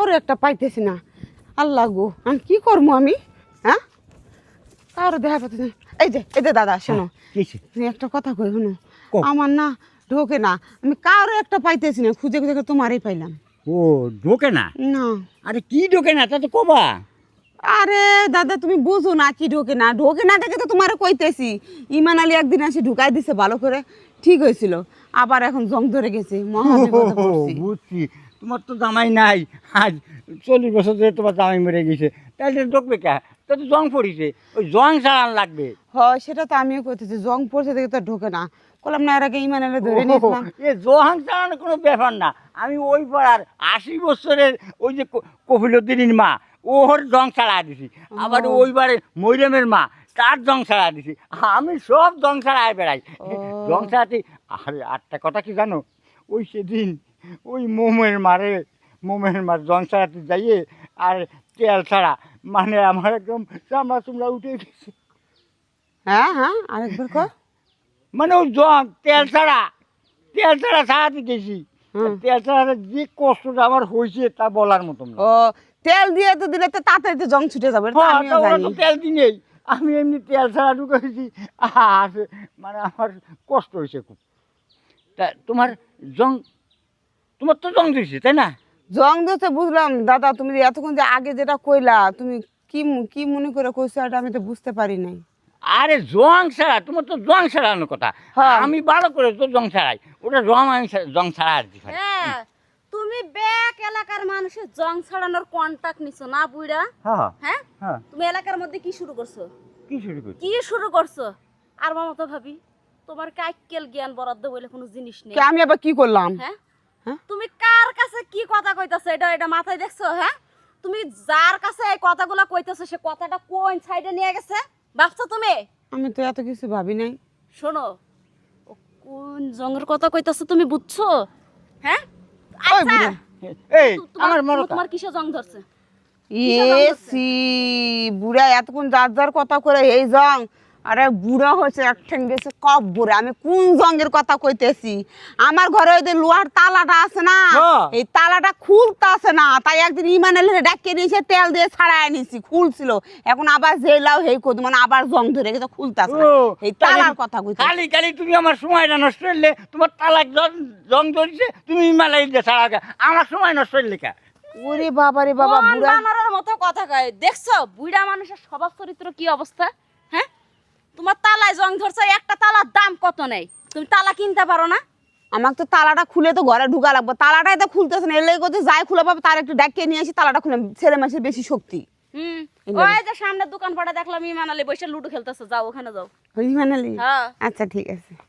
কাউরে একটা পাইতেছি না। আল্লাহ গো, আমি কি করবো আমি? হ্যাঁ, কাউরে দেখা পাইতেছি না। এই যে দাদা শোনো, তুমি একটা কথা কই শোনো। আমার না ঢোকে না, আমি কাউরে একটা পাইতেছি না, খুঁজে খুঁজে তোমারই পাইলাম। ও ঢোকে না? না। আরে কি ঢোকে না তা তো কবা। আরে দাদা তুমি বুঝো না কি ঢোকে না দেখে তো তোমার কইতেছি। ইমান আলী একদিন এসে ঢুকাই দিছে ভালো করে, ঠিক হয়েছিল। আবার এখন জং ধরে গেছে, মহা বিপদে পড়ছি। বুঝছি, তোমার তো জামাই নাই, আজ 40 বছর ধরে তোমার জামাই মরে গেছে, তাহলে ঢুকবে কে? তো জং পড়িছে, ওই জং ছাড়ান লাগবে। হয় সেটা তো আমিও কইতেছি, জং পড়ছে দেখে তো ঢোকে না। বললাম না এর আগে ইমান আলী ধরে নিয়েছিলাম। এ জং ছাড়ানো কোনো ব্যাপার না। আমি ওই পাড়ার 80 বছরের ওই যে কফিলুদ্দিনের মা, ওর জং ছাড়া দিছি। আবার ওইবারে মৈরামের মা, তার জং ছাড়া দিছি। আমি সব জং ছাড়ায় বেড়াই। জং ছাড়াতে আরে আটটা কথা কি জানো, ওই সেদিন ওই মোমের মার জং ছাড়াতে যাইয়ে আর তেল ছাড়া, মানে আমার একদম চামড়া চুমড়া উঠে গেছে। হ্যাঁ হ্যাঁ, আরেকবার কর। মানে ওই জং তেল ছাড়া ছাড়াতে গেছি। তেল ছাড়াতে যে কষ্টটা আমার হয়েছে তা বলার মতন না। ও তেল দিয়ে তো দিলে তো তাড়াতাড়ি তো জং ছুটে যাবে, এটা আমিও জানি। তেল দিনেই আমি এমনি তেল ছাড়া ঢুকেছি, আর মানে আমার কষ্ট হয়েছে খুব। তা তোমার তো জং দিয়েছে তাই না? জং দিতে বুঝলাম দাদা, তুমি যে এতক্ষণ যে আগে যেটা কইলা, তুমি কি মনে করে কইছো এটা আমি তো বুঝতে পারি নাই। আরে জং ছাড়া, তোমার তো জং ছাড়ানোর কথা। আমি ভালো করে তো জং ছাড়াই, ওটা আমি জং ছাড়া আর কি। হ্যাঁ, তুমি ব্যাক এলাকার মানুষের জং ছাড়ানোর কন্টাক্ট নিছো না বুইড়া? হ্যাঁ, তুমি এলাকার মধ্যে কি শুরু করছো? কি শুরু করছো? আর মামা তো ভাবি তোমার কাইকেল জ্ঞান বরাদ্দ বলে কোনো জিনিস নেই। আমি আবার কি করলাম? হ্যাঁ, তুমি কার কাছে কি কথা কইতাছো এটা মাথায় দেখছো? হ্যাঁ, তুমি যার কাছে এই কথাগুলো কইতাছো সে কথাটা কোন সাইডে নিয়ে গেছে ভাবছো তুমি? আমি তো এত কিছু ভাবি নাই। শোনো, ও কোন জঙ্গের কথা কইতাছো তুমি বুঝছো? হ্যাঁ, আচ্ছা এই আমার মরো তোমার কিসে জং ধরছে? এসি বুড়া এতক্ষণ যার কথা করে এই জং। আরে বুড়া হয়েছে এক ঠ্যাং গেছে কব বুড়া। আমি কোন জঙ্গের কথা কইতেছি? আমার ঘরে ওই যে লোহার তালাটা আছে না, এই তালাটা খুলতে আছে না, তাই একদিন ইমান আলী ডাকিয়ে নিয়েছে, তেল দিয়ে ছাড়াই নিয়েছি, খুলছিল। এখন আবার জেলাও হেই কত মানে আবার জং ধরে গেছে, খুলতে আছে এই তালার কথা কইতে। কালি তুমি আমার সময়টা নষ্ট করলে, তোমার তালাক জং ধরেছে, তুমি ইমান আলী দিয়ে ছাড়া আমার সময় নষ্ট করলে কা? ওরে বাবা রে বাবা, বুড়া বানরের মতো কথা কয়। দেখছো বুড়া মানুষের স্বভাব চরিত্র কি অবস্থা? হ্যাঁ, তোমার তালায় জং ধরছে, একটা তালার দাম কত নেই, তুমি তালা কিনতে পারো না? আমাকে তো তালাটা খুলে তো ঘরে ঢুকা লাগবে, তালাটাই তো খুলতেছে না। এলে করতে যাই খুলে পাবে তার একটু ডাকিয়ে নিয়ে আসি, তালাটা খুলে। ছেলে মানুষের বেশি শক্তি। ওই যে সামনের দোকান পাড়া দেখলাম ইমান আলী বসে লুডো খেলতেছে, যাও ওখানে যাও। ইমান আলী? হ্যাঁ, আচ্ছা ঠিক আছে।